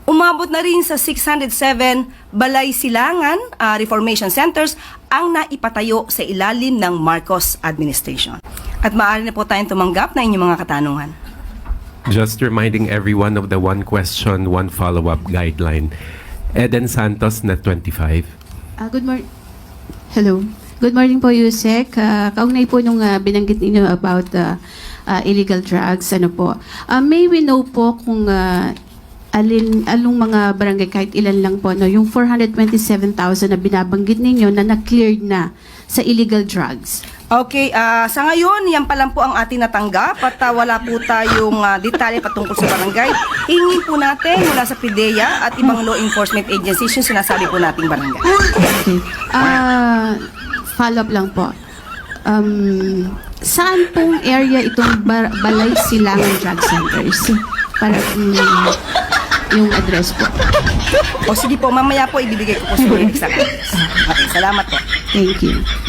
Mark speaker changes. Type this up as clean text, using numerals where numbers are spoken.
Speaker 1: Umabot na rin sa 607 balay silangan, reformation centers ang naipatayo sa ilalim ng Marcos administration. At maaari na po tayong tumanggap na inyong mga katanungan.
Speaker 2: Just reminding everyone of the one question, one follow-up guideline. Eden Santos, Net 25.
Speaker 3: Good morning. Hello. Good morning po, Yusek. Kaugnay po nung binanggit ninyo about illegal drugs, ano po. May we know po kung along mga barangay, kahit ilan lang po, no, yung 427,000 na binabanggit ninyo na na-cleared na sa illegal drugs?
Speaker 1: Okay, sa ngayon, yan pa lang po ang ating natanggap at wala po tayong detalye patungkol sa barangay. Hingin po natin mula sa PIDEA at ibang law enforcement agencies yung sinasabi po nating barangay.
Speaker 3: Okay. Follow-up lang po. Saan pong area itong Balay Silangan Drug Centers? Para yung address po.
Speaker 1: O sige po, mamaya po ibibigay ko po sa exact address. Okay, salamat po.
Speaker 3: Thank you.